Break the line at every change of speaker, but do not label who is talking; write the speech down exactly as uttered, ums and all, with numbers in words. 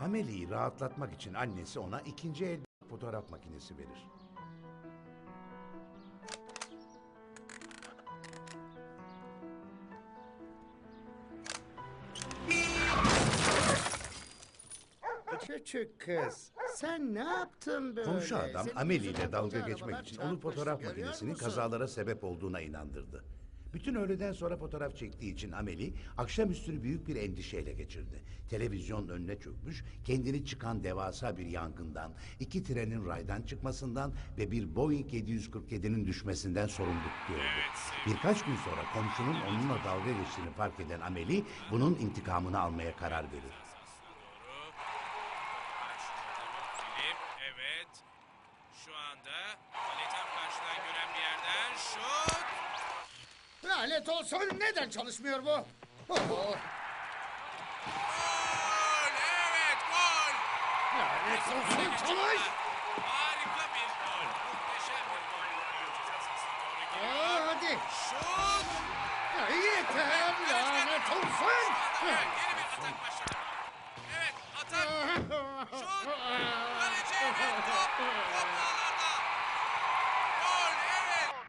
Amelie'yi rahatlatmak için annesi ona ikinci el fotoğraf makinesi verir.
Küçük kız, sen ne yaptın böyle?
Komşu adam
Senin
Amelie ile
yüzünden
dalga
koca
geçmek
arabalar
için onu
çarpıştı,
fotoğraf
görüyor
makinesinin
musun?
kazalara sebep olduğuna inandırdı. Bütün öğleden sonra fotoğraf çektiği için Amelie akşamüstünü büyük bir endişeyle geçirdi. Televizyonun önüne çökmüş, kendini çıkan devasa bir yangından, iki trenin raydan çıkmasından ve bir Boeing yedi yüz kırk yedi'nin düşmesinden sorumlu tutuyordu. Birkaç gün sonra komşunun onunla dalga geçtiğini fark eden Amelie bunun intikamını almaya karar verir.
Filip, evet. Şu anda kaletten karşıdan gören bir yerden şut.
Lanet olsun, neden çalışmıyor bu? Oh,
Gol, evet gol.
lanet olsun, çalış!
Harika bir gol. Muhteşem bir gol. Ceza sahasına doğru gidiyor.
Aa, hadi!
Şut.
Ya, yeter, lanet olsun!
Evet, yeni bir atak başladı. Evet, atak. Şut. Kaleci ve top. Top